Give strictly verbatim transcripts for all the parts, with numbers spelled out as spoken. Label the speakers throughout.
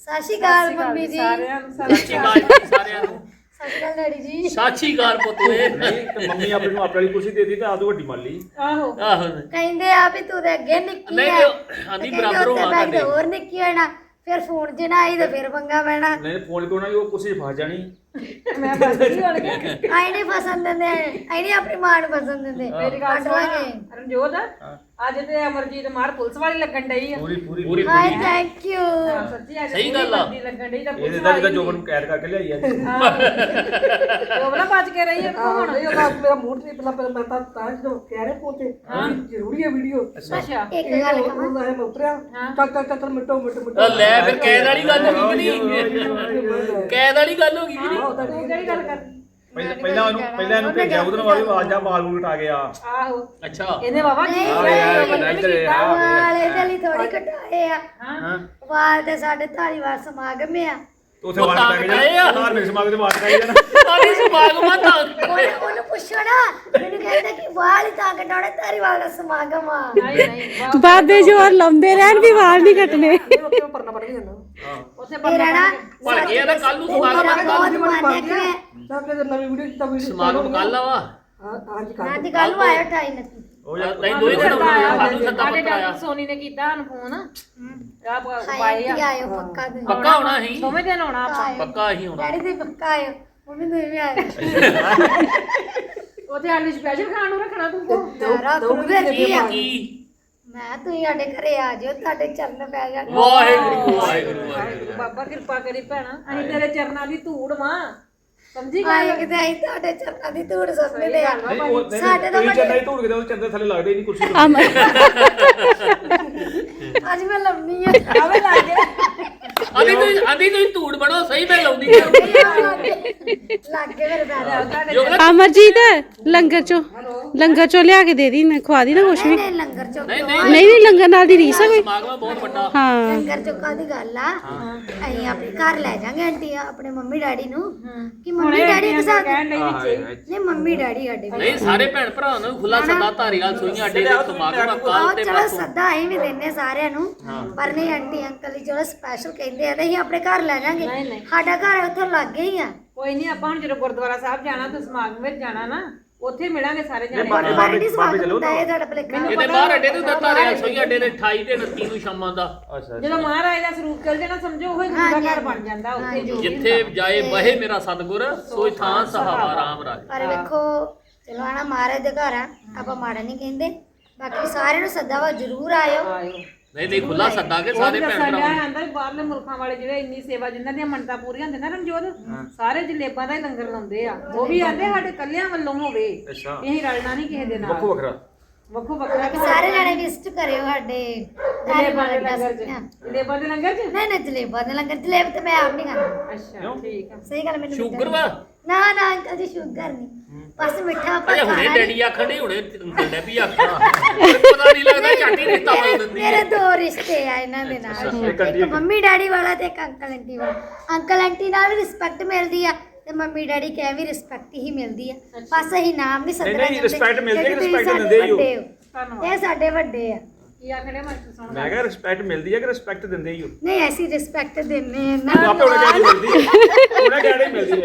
Speaker 1: ਸਤਿ ਸ਼੍ਰੀ ਅਕਾਲ ਮੰਮੀ ਜੀ
Speaker 2: ਸਾਰਿਆਂ ਨੂੰ ਸਤਿ ਸ਼੍ਰੀ ਅਕਾਲ
Speaker 3: ਸਾਰਿਆਂ ਨੂੰ
Speaker 1: ਸਤਿ ਸ਼੍ਰੀ ਅਕਾਲ ਡੈਡੀ ਜੀ
Speaker 3: ਸਤਿ ਸ਼੍ਰੀ ਅਕਾਲ ਪੁੱਤੋਏ
Speaker 4: ਨਹੀਂ ਤੇ ਮੰਮੀ ਆਪਣੀ ਨੂੰ ਆਪਣੇ ਵਾਲੀ ਕੁਰਸੀ ਦੇ ਦਿੱਤੀ ਤਾਂ ਆਦੂ ਵੱਡੀ ਮੰਨ ਲਈ
Speaker 2: ਆਹੋ
Speaker 3: ਆਹੋ
Speaker 1: ਕਹਿੰਦੇ ਆ ਵੀ ਤੂੰ ਤੇ ਅੱਗੇ ਨਿੱਕੀ
Speaker 3: ਨਹੀਂ
Speaker 1: ਆ
Speaker 3: ਨਹੀਂ ਆਂਦੀ ਬਰਾਬਰ ਹੋਣਾ
Speaker 1: ਤੁਹਾਡੇ
Speaker 3: ਤੁਹਾਡੇ
Speaker 1: ਹੋਰ ਨਿੱਕੀ ਹੋਣਾ ਫਿਰ ਫੋਨ 'ਚ ਨਾ ਆਈ ਤਾਂ ਫਿਰ ਪੰਗਾ ਪੈਣਾ
Speaker 4: ਨਹੀਂ ਫੋਨ ਕੋਣਾ ਉਹ ਕੁਰਸੀ 'ਚ ਫਸ ਜਾਣੀ
Speaker 2: ਮੈਂ ਬਸ ਕੀ ਹੋਣ ਗਿਆ
Speaker 1: ਆਈ ਨਹੀਂ ਪਸੰਦ ਦਿੰਦੇ ਆਈ ਨਹੀਂ ਆਪਣੀ ਮਾਂ ਨੂੰ ਪਸੰਦ ਦਿੰਦੇ
Speaker 2: ਮੇਰੀ ਗੱਲ
Speaker 1: ਕੱਢ ਲਾਂਗੇ
Speaker 2: ਸੁਣ ਰਣਜੋਤ ਅੱਜ ਤੇ ਅਮਰਜੀਤ ਮਾਰ ਪੁਲਿਸ ਵਾਲੀ ਲੱਗਣ ਡਈ ਆ
Speaker 4: ਪੂਰੀ ਪੂਰੀ
Speaker 3: ਪੂਰੀ
Speaker 1: ਹਾਏ ਥੈਂਕ ਯੂ
Speaker 2: ਹਾਂ, ਸੱਚੀ ਅੱਜ
Speaker 3: ਸਹੀ ਗੱਲ ਆ।
Speaker 2: ਪੂਰੀ ਲੱਗਣ ਡਈ ਤਾਂ
Speaker 4: ਇਹਦੇ
Speaker 2: ਪੁਲਿਸ
Speaker 4: ਦਾ
Speaker 2: ਵਾਲੀ
Speaker 4: ਜਿੱਦਾਂ ਜੋਬਨ ਨੂੰ ਕੈਦ ਕਰਕੇ ਲਿਆਈ ਆ
Speaker 2: ਜੋਬਨਾ ਬਚ ਕੇ ਰਹੀ ਆ ਹੁਣ
Speaker 5: ਨਹੀਂ ਉਹਦਾ ਮੇਰਾ ਮੂਡ ਨਹੀਂ ਪਹਿਲਾਂ ਪਹਿਲਾਂ ਮੈਂ ਤਾਂ ਤਾਂ ਜਦੋਂ ਕਹਿ ਰਹੇ ਪਹੁੰਚੇ ਜ਼ਰੂਰੀ ਹੈ ਵੀਡੀਓ
Speaker 2: ਅੱਛਾ
Speaker 1: ਇੱਕ ਗੱਲ ਕਹਾਂ
Speaker 5: ਉਹ ਮੈਂ ਉਤਰਿਆ ਚੱਲ ਚੱਲ ਚੱਲ ਮਿੰਟੋ ਮਿੰਟ ਮਿੰਟ
Speaker 3: ਉਹ ਲੈ ਫਿਰ ਕੈਦ ਵਾਲੀ ਗੱਲ ਹੋ ਗਈ ਕਿ ਨਹੀਂ ਕੈਦ ਵਾਲੀ ਗੱਲ ਹੋ ਗਈ ਕਿ ਨਹੀਂ
Speaker 2: ਤੂੰ ਕਿਹੜੀ ਗੱਲ ਕਰਦੀ
Speaker 4: ਪਹਿਲਾਂ ਪਹਿਲਾਂ ਉਹਨੂੰ ਪਹਿਲਾਂ ਇਹਨੂੰ ਭੇਜਿਆ ਉਹਦੇ ਨਾਲ ਵਾਲੀ ਆਵਾਜ਼ਾਂ ਬਾਲ ਬੂਲ ਉਟਾ ਗਿਆ
Speaker 2: ਆਹੋ
Speaker 3: ਅੱਛਾ
Speaker 2: ਇਹਨੇ ਬਾਬਾ ਕੀ
Speaker 4: ਆ ਯਾਰ ਬੰਦਾ ਇੱਧਰ ਆ
Speaker 1: ਵਾਲੇ ਦੇ ਲਈ ਥੋੜੀ ਘਟਾਏ ਆ
Speaker 2: ਹਾਂ
Speaker 1: ਵਾਲ ਤੇ ਸਾਡੇ ਧਾਰੀਵਾਲ ਸਮਾਗਮ ਆ
Speaker 4: ਉਥੇ ਵਾਟ ਪੈ ਗਿਆ ਯਾਰ ਮੇਰੇ ਸਮਾਗ ਤੇ ਵਾਟ ਪੈ ਜਾਣਾ
Speaker 3: ਆਦੀ ਸਮਾਗਮਾਂ ਤਾਂ
Speaker 1: ਉਹਨੂੰ ਉਹਨੂੰ ਪੁੱਛੋ ਨਾ ਮੈਨੂੰ ਕਹਿੰਦਾ ਕਿ ਵਾਲ ਹੀ ਤਾਂ ਕਟਾਉਣੇ ਧਾਰੀਵਾਲ ਦਾ ਸਮਾਗਮ ਆ
Speaker 2: ਨਹੀਂ ਨਹੀਂ
Speaker 6: ਬਾਬੇ ਜੋਰ ਲਾਉਂਦੇ ਰਹਿਣ ਵੀ ਵਾਲ ਨਹੀਂ ਕੱਟਣੇ
Speaker 5: ਉੱਥੇ ਪਰਨਾ ਪੜ ਕੇ ਜਾਂਦਾ
Speaker 2: ਉੱਥੇ
Speaker 1: ਇਹ ਰਹਿਣਾ
Speaker 3: ਭੜ ਗਿਆ ਤਾਂ ਕੱਲ ਨੂੰ ਸਮਾਗਮ
Speaker 1: ਮੇਰਾ
Speaker 3: ਕੱਲ
Speaker 1: ਬਹੁਤ ਮਨ ਹੈ ਕਿ
Speaker 5: ਤਾਂ ਕਿ ਨਵੀਂ ਵੀਡੀਓ ਜਿੱਤਾ ਵੀਡੀਓ
Speaker 3: ਸਮਾਗਮ ਕੱਲ ਆਵਾ
Speaker 5: ਅੱਜ
Speaker 1: ਮੈਂ
Speaker 5: ਕੱਲ
Speaker 1: ਅੱਜ ਕੱਲ ਨੂੰ ਆਇਆ ਅਠਾਈ ਉਨੱਤੀ
Speaker 4: ਉਹ ਯਾਰ
Speaker 3: ਨਹੀਂ ਦੋਈ ਦਿਨ ਹੋਣਾ ਸਾਨੂੰ ਸੱਦਾ
Speaker 2: ਸਾਡੇ
Speaker 3: ਪੱਤਰ ਆਇਆ
Speaker 2: ਡਾਕਟਰ ਸੋਨੀ ਨੇ ਕੀਤਾ ਸਾਨੂੰ ਫੋਨ ਆ
Speaker 1: ਹਾਏ
Speaker 2: ਬਾਈ
Speaker 1: ਆਂਟੀ
Speaker 2: ਆ
Speaker 1: ਆਇਓ ਪੱਕਾ ਦੇ
Speaker 3: ਪੱਕਾ ਹੋਣਾ ਸੀ
Speaker 2: ਦੋਵੇਂ ਦਿਨ ਆਉਣਾ ਆਪਾਂ
Speaker 3: ਪੱਕਾ ਹੀ ਹੋਣਾ
Speaker 1: ਡੈਡੀ ਦੇ ਪੱਕਾ ਆਇਓ ਮੰਮੀ ਦੇ ਵੀ ਆਇਓ
Speaker 2: ਉੱਥੇ ਆਲੂ ਸਪੈਸ਼ਲ ਖਾਣ ਨੂੰ ਰੱਖਣਾ ਤੂੰ ਕੋ
Speaker 1: ਸਾਰਾ ਗੁਰੂਦਰ ਕੀ ਆ
Speaker 3: ਕੀ
Speaker 1: ਮੈਂ ਤੁਸੀਂ ਸਾਡੇ ਘਰੇ ਆ ਜਾਓ ਤੁਹਾਡੇ ਚਰਨ ਪੈ ਜਾਣ
Speaker 3: ਵਾਹਿਗੁਰੂ ਵਾਹਿਗੁਰੂ ਵਾਹਿਗੁਰੂ
Speaker 2: ਬਾਬਾ ਕਿਰਪਾ ਕਰੀ ਭੈਣਾ ਅਸੀਂ ਤੇਰੇ ਚਰਨਾਂ ਦੀ ਧੂੜ ਮਾਂ ਸਮਝੀ
Speaker 1: ਆਏ
Speaker 2: ਗੱਲ
Speaker 1: ਕਿਤੇ ਅਸੀਂ ਤੁਹਾਡੇ ਚਰਨਾਂ ਦੀ ਧੂੜ ਸੁਣਨੇ ਲਿਆ
Speaker 4: ਨਹੀਂ ਉਹ
Speaker 1: ਸਾਡੇ ਤਾਂ
Speaker 4: ਨਹੀਂ ਚੰਦਾ ਹੀ ਧੂੜ ਕੇ ਉਹ ਚੰਦੇ ਥੱਲੇ ਲੱਗਦੇ ਹੀ ਨਹੀਂ ਕੁਰਸੀ ਤੇ
Speaker 6: ਅਮਰ
Speaker 1: ਅੱਜ ਮੈਂ ਲੰਮੀ ਆ
Speaker 2: ਆਵੇ ਲੱਗ ਗਿਆ
Speaker 3: ਆਦੀ ਤੁਸੀਂ ਆਦੀ ਤੁਸੀਂ ਧੂੜ ਬਣੋ ਸਹੀ ਮੈਂ ਲਾਉਂਦੀ
Speaker 1: ਲੱਗ ਕੇ ਮੇਰੇ ਪੈਰ
Speaker 3: ਜੋਗਰਾ
Speaker 6: ਅਮਰਜੀਤ ਲੰਗਰ ਚੋਂ ਲੰਗਰ ਚੋਂ ਲਿਆ ਕੇ ਦੇ ਦੀ ਨਾ ਖਵਾ ਦੀ ਨਾ ਕੁਛ ਵੀ
Speaker 1: ਨਹੀਂ ਲੰਗਰ ਚੁੱਕ
Speaker 3: ਨਹੀਂ ਨਹੀਂ
Speaker 6: ਨਹੀਂ ਨਹੀਂ ਲੰਗਰ ਨਾਲ ਦੀ ਰੀਸ ਆ ਕੋਈ
Speaker 3: ਸਮਾਗਮ ਬਹੁਤ ਵੱਡਾ
Speaker 6: ਹਾਂ
Speaker 1: ਲੰਗਰ ਚੁੱਕਾ ਦੀ ਗੱਲ ਆ ਅਸੀਂ ਆਪਣੇ ਘਰ ਲੈ ਜਾਾਂਗੇ ਆਂਟੀ ਆਪਣੇ ਮੰਮੀ ਡੈਡੀ ਨੂੰ ਕਿ ਮੰਮੀ ਡੈਡੀ ਇੱਕ ਸਾਥ
Speaker 2: ਕਹਿਣ ਲਈ ਵਿੱਚ
Speaker 1: ਨਹੀਂ ਮੰਮੀ ਡੈਡੀ ਸਾਡੇ ਵੀ
Speaker 3: ਨਹੀਂ ਸਾਰੇ ਭੈਣ ਭਰਾਵਾਂ ਨੂੰ ਖੁੱਲਾ ਸੱਦਾ ਧਾਰੀਵਾਲ ਸੋਈਆਂ ਅੱਡੇ ਦੇ ਸਮਾਗਮ ਆ ਕੱਲ
Speaker 1: ਆਹ
Speaker 3: ਤੇ
Speaker 1: ਚਲੋ
Speaker 3: ਪਰਸੋਂ
Speaker 1: ਸੱਦਾ ਅਸੀਂ ਵੀ ਦਿੰਨੇ ਸਾਰਿਆਂ ਨੂੰ ਪਰ ਨਹੀਂ ਆਂਟੀ ਅੰਕਲ ਜੀ ਚਲੋ ਸਪੈਸ਼ਲ ਕਹਿੰਦੇ ਆ ਤੇ ਅਸੀਂ ਆਪਣੇ ਘਰ ਲੈ ਜਾਾਂਗੇ
Speaker 2: ਨਹੀਂ, ਨਹੀਂ।
Speaker 1: ਸਾਡਾ ਘਰ ਉੱਥੇ ਲੱਗੇ ਹੀ ਆ
Speaker 2: ਕੋਈ ਨਹੀਂ ਆਪਾਂ ਹੁਣ ਜਦੋਂ ਗੁਰਦੁਆਰਾ ਸਾਹਿਬ ਜਾਣਾ ਤੇ ਸਮਾਗਮ ਵਿੱਚ ਜਾਣਾ ਨਾ ਉੱਥੇ ਮਿਲਾਂਗੇ ਸਾਰੇ ਜਣੇ
Speaker 4: ਬਾਬੇ
Speaker 1: ਬਾਬੇ
Speaker 4: ਬਾਬੇ ਬਾਬੇ ਚਲੋ
Speaker 1: ਹੁੰਦਾ ਇਹ ਤੁਹਾਡਾ ਭਲੇਖਾ
Speaker 3: ਇਹਦੇ ਬਾਹਰ ਅੱਡੇ ਤੇ ਧਾਰੀਵਾਲ ਸੋਈਆਂ ਅੱਡੇ ਦੇ ਅਠਾਈ ਤੇ ਉਨੱਤੀ ਨੂੰ ਸ਼ਾਮਾਂ ਦਾ
Speaker 4: ਅੱਛਾ
Speaker 2: ਜਦੋਂ ਮਹਾਰਾਜ ਦਾ ਸਰੂਪ ਚੱਲ ਜਾਣਾ ਸਮਝੋ ਉਹ ਹੀ ਗੁਰੂ ਦਾ ਘਰ ਬਣ ਜਾਂਦਾ ਉੱਥੇ ਜੋ ਵੀ
Speaker 3: ਜਿੱਥੇ ਜਾਏ ਬਹੇ ਮੇਰਾ ਸਤਿਗੁਰ ਸੋਈ ਥਾਂ ਸਹਾਵਾ ਰਾਮ ਰਾਜ
Speaker 1: ਪਰ ਵੇਖੋ ਚਲੋ ਆਣਾ ਮਹਾਰਾਜ ਦੇ ਘਰ ਆ ਆਪਾਂ ਮਾੜਾ ਨਹੀਂ ਕਹਿੰਦੇ ਬਾਕੀ ਸਾਰਿਆਂ ਨੂੰ ਸੱਦਾ ਵਾ ਜ਼ਰੂਰ ਆਇਓ
Speaker 2: ਆਇਓ
Speaker 3: ਨਹੀਂ ਨਹੀਂ ਖੁੱਲਾ ਸੱਦਾ ਕੇ ਸਾਰੇ ਭੈਣ
Speaker 2: ਦੱਸਣ
Speaker 3: ਭਰਾ
Speaker 2: ਡਿਆ ਆਂਦਾ ਵੀ ਬਾਹਰਲੇ ਮੁਲਕਾਂ ਵਾਲੇ ਜਿਹੜੇ ਇੰਨੀ ਸੇਵਾ ਜਿਨ੍ਹਾਂ ਦੀਆਂ ਮੰਨਤਾਂ ਪੂਰੀਆਂ ਹੁੰਦੀਆਂ ਨਾ ਰਣਜੋਤ ਸਾਰੇ ਜਲੇਬਾਂ ਦਾ ਹੀ ਲੰਗਰ ਲਾਉਂਦੇ ਆ ਉਹ ਵੀ ਆਂਦੇ ਸਾਡੇ ਕੱਲਿਆਂ ਵੱਲੋਂ ਹੋਵੇ
Speaker 4: ਅੱਛਾ
Speaker 2: ਅਸੀਂ ਰਲਣਾ ਨਹੀਂ ਕਿਸੇ ਦੇ ਨਾਲ
Speaker 4: ਵੱਖੋ ਵੱਖਰਾ
Speaker 2: ਵੱਖੋ ਵੱਖਰਾ
Speaker 1: ਕਿ ਸਾਰੇ ਜਣੇ ਵਿਜ਼ਿਟ ਕਰਿਓ ਸਾਡੇ
Speaker 2: ਜਲੇਬਾਂ ਦੇ
Speaker 1: ਧਾਰੀਵਾਲ
Speaker 2: ਲੰਗਰ
Speaker 1: ਅੱਡਾ।
Speaker 2: ਚ ਜਲੇਬਾਂ ਦੇ ਲੰਗਰ ਚ
Speaker 1: ਨਹੀਂ ਨਹੀਂ ਜਲੇਬਾਂ ਦੇ ਲੰਗਰ ਜਲੇਬ ਤੇ ਮੈਂ ਆਪ ਨਹੀਂ ਖਾਂਦੀ
Speaker 2: ਅੱਛਾ ਠੀਕ ਆ
Speaker 1: ਸਹੀ ਗੱਲ ਮੈਨੂੰ
Speaker 3: ਸ਼ੂਗਰ ਵਾ
Speaker 1: ਨਾ ਨਾ ਅੰਕਲ ਜੀ ਸ਼ੂਗਰ ਨਹੀਂ ਬਸ ਮਿੱਠਾ ਆਪਾਂ
Speaker 3: ਅਜੇ ਹੁਣੇ
Speaker 1: ਖਾਣਾ
Speaker 3: ਡੈਡੀ ਆਖਣ ਨਹੀਂ ਹੁਣੇ ਡੈਡੀ ਵੀ ਆਖਣਾ ਪਤਾ ਨਹੀਂ ਲੱਗਦਾ ਝਾਟੀ ਰਿਸ਼ਤਾ ਬਦਲ
Speaker 1: ਮੇਰੇ
Speaker 3: ਦਿੰਦੀ
Speaker 1: ਮੇਰੇ
Speaker 3: ਹੈ
Speaker 1: ਦੋ ਰਿਸ਼ਤੇ ਆ ਇਹਨਾਂ ਦੇ ਨਾਲ
Speaker 4: ਇੱਕ ਆਂਟੀ
Speaker 1: ਇੱਕ ਮੰਮੀ ਡੈਡੀ ਵਾਲਾ ਤੇ ਇੱਕ ਅੰਕਲ ਆਂਟੀ ਵਾਲਾ ਅੰਕਲ ਆਂਟੀ ਨਾਲ ਵੀ ਰਿਸਪੈਕਟ ਮਿਲਦੀ ਆ ਤੇ ਮੰਮੀ ਡੈਡੀ ਕਹਿ ਵੀ ਰਿਸਪੈਕਟ ਹੀ ਮਿਲਦੀ ਆ ਬਸ ਅਸੀਂ ਨਾਮ ਨਹੀਂ ਸੱਦਣਾ
Speaker 4: ਨਹੀਂ, respect ਮਿਲਦੀ ਹੈ ਕਿ respect ਦਿੰਦੇ ਹੀ ਹੋ?
Speaker 2: ਧੰਨਵਾਦ
Speaker 1: ਇਹ ਸਾਡੇ ਵੱਡੇ ਆ
Speaker 2: ਕੀ ਆਖੜੇ ਮਾਸਟਰ ਸੁਣ
Speaker 4: ਮੈਂ ਕਿਹਾ ਰਿਸਪੈਕਟ ਮਿਲਦੀ ਹੈ ਕਿ ਰਿਸਪੈਕਟ ਦਿੰਦੇ ਹੀ ਹੋ
Speaker 1: ਨਹੀਂ ਅਸੀਂ ਰਿਸਪੈਕਟ ਦਿੰਨੇ ਆ ਨਾ
Speaker 4: ਆਪੇ ਉਹਨੇ ਕਹਿਣੀ ਮਿਲਦੀ ਹੈ ਉਹਨੇ ਕਹਿਣੀ ਮਿਲਦੀ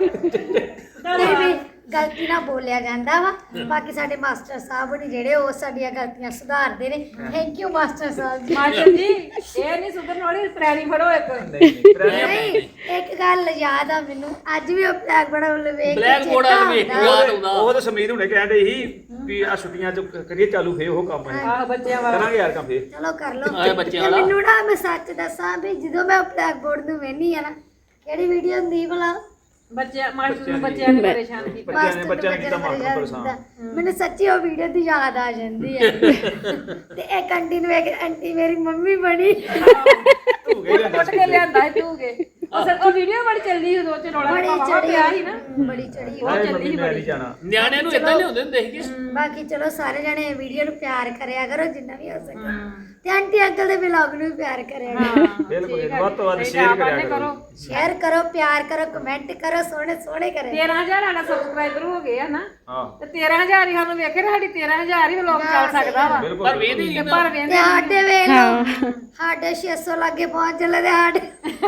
Speaker 4: ਹੈ
Speaker 1: ਨਹੀਂ ਵੀ ਗਲਤੀ ਨਾਲ ਬੋਲਿਆ ਜਾਂਦਾ ਵਾ ਬਾਕੀ ਸਾਡੇ ਮਾਸਟਰ ਸਾਹਿਬ ਨੇ ਜਿਹੜੇ ਉਹ ਸਾਡੀਆਂ ਗਲਤੀਆਂ ਸੁਧਾਰਦੇ ਨੇ ਥੈਂਕ ਯੂ ਮਾਸਟਰ ਸਾਹਿਬ ਜੀ
Speaker 2: ਮਾਸਟਰ ਜੀ ਇਹ ਨਹੀਂ ਸੁਧਰਨ ਵਾਲੀ ਪ੍ਰੈਣੀ ਫੜੋ ਇੱਕ
Speaker 4: ਨਹੀਂ ਨਹੀਂ
Speaker 1: ਨਹੀਂ ਇੱਕ ਗੱਲ ਯਾਦ ਆ ਮੈਨੂੰ ਅੱਜ ਵੀ ਉਹ ਬਲੈਕ ਬੋਰਡ ਵੱਲ ਵੇਖ ਕੇ
Speaker 3: ਬਲੈਕ ਬੋਰਡ
Speaker 1: ਚੇਤਾ
Speaker 3: ਵਾਲ ਵੇਖ ਕੇ
Speaker 1: ਆਉਂਦਾ।
Speaker 3: ਯਾਦ ਆਉਂਦਾ
Speaker 4: ਉਹ ਤਾਂ ਸਮਰੀਤ ਹੁਣੇ ਕਹਿੰਦੇ ਸੀ ਵੀ ਆ ਛੁੱਟੀਆਂ ਚ ਕਰੀਏ ਚਾਲੂ ਫੇ ਉਹ ਕੰਮ ਹੈ
Speaker 2: ਆਹ ਬੱਚਿਆਂ ਵਾਲਾ
Speaker 4: ਕਰਾਂਗੇ ਯਾਰ ਕੰਮ ਫੇਰ
Speaker 1: ਚਲੋ ਕਰ ਲਓ
Speaker 3: ਆਏ ਬੱਚਿਆਂ
Speaker 1: ਤੇ
Speaker 3: ਵਾਲਾ।
Speaker 1: ਮੈਨੂੰ ਨਾ ਮੈਂ ਸੱਚ ਦੱਸਾਂ ਵੀ ਜਦੋਂ ਮੈਂ ਬਲੈਕ ਬੋਰਡ ਨੂੰ ਵੇਖਨੀ ਆ ਨਾ ਕਿਹੜੀ ਵੀਡੀਓ ਹੁੰਦੀ ਭਲਾ
Speaker 2: ਬੱਚਿਆਂ ਮਾਸਟਰ ਨੂੰ ਬੱਚਿਆਂ ਨੇ ਪਰੇਸ਼ਾਨ ਕੀਤਾ
Speaker 4: ਬੱਚਿਆਂ ਨੇ
Speaker 1: ਮਾਸਟਰ
Speaker 4: ਬੱਚਿਆਂ ਨੇ ਕੀਤਾ
Speaker 1: ਬੱਚਿਆਂ
Speaker 4: ਮਾਸਟਰ
Speaker 1: ਨੂੰ
Speaker 4: ਪਰੇਸ਼ਾਨ
Speaker 1: ਮੈਨੂੰ ਸੱਚੀ ਉਹ ਵੀਡੀਓ ਦੀ ਯਾਦ ਆ ਜਾਂਦੀ ਹੈ ਤੇ ਇੱਕ ਆਂਟੀ ਨੂੰ ਵੇਖ ਕੇ ਆਂਟੀ ਮੇਰੀ ਮੰਮੀ ਬਣੀ
Speaker 4: ਤੂੰ ਗਈ ਲੈ
Speaker 2: ਕੁੱਟ ਕੇ ਲਿਆਂਦਾ ਹੈ ਤੂੰ ਕੇ ਉਹ ਸਰ ਉਹ ਵੀਡੀਓ ਬੜੀ ਚੱਲਦੀ ਉਦੋਂ ਚ ਰੌਲਾ
Speaker 1: ਬੜੀ
Speaker 2: ਪਾਵਾ
Speaker 1: ਚੜੀ
Speaker 2: ਪਿਆ ਸੀ ਨਾ
Speaker 1: ਬੜੀ ਚੜੀ
Speaker 4: ਹਾਏ ਮੰਮੀ ਮੈਂ ਨਹੀਂ ਜਾਣਾ
Speaker 3: ਨਿਆਣਿਆਂ ਨੂੰ ਇਦਾਂ ਲਿਆਉਂਦੇ ਹੁੰਦੇ ਸੀਗੇ
Speaker 1: ਬਾਕੀ ਚਲੋ ਸਾਰੇ ਜਣੇ ਵੀਡੀਓ ਨੂੰ ਪਿਆਰ ਕਰਿਆ ਕਰੋ ਜਿੰਨਾ ਵੀ ਹੋ ਸਕੇ ਤੇ ਆਂਟੀ ਅੰਕਲ ਦੇ ਵਲੌਗ ਨੂੰ ਵੀ ਪਿਆਰ ਕਰਿਆ
Speaker 4: ਬਿਲਕੁਲ ਜੀ, ਵੱਧ ਤੋਂ ਵੱਧ ਸ਼ੇਅਰ ਕਰਿਆ ਕਰੋ
Speaker 1: ਸ਼ੇਅਰ ਕਰੋ ਪਿਆਰ ਕਰੋ ਕਮੈਂਟ ਕਰੋ ਸੋਹਣੇ ਸੋਹਣੇ ਕਰੇ
Speaker 2: ਤੇਰਾਂ ਹਜ਼ਾਰ ਸਾਡਾ ਸਬਸਕ੍ਰਾਈਬਰ ਹੋ ਗਏ ਆ ਨਾ
Speaker 4: ਹਾਂ
Speaker 2: ਤੇ ਤੇਰਾਂ ਹਜ਼ਾਰ ਹੀ ਸਾਨੂੰ ਵੇਖੇ ਤੇ ਸਾਡੀ ਤੇਰਾਂ ਹਜ਼ਾਰ ਹੀ ਵਲੌਗ ਚੱਲ ਸਕਦਾ ਵਾ
Speaker 4: ਬਿਲਕੁਲ
Speaker 3: ਪਰ ਵੇਖਦੇ ਨਹੀਂ
Speaker 2: ਤੇ ਪਰ
Speaker 1: ਤੇ
Speaker 2: ਵੇਂਦੇ
Speaker 1: ਸਾਡੇ ਵੇਖ ਲਓ ਸਾਡੇ ਛੇ ਸੌ ਲੱਗੇ ਪਹੁੰਚ ਚੱਲੇ ਤੇ ਸਾਡੇ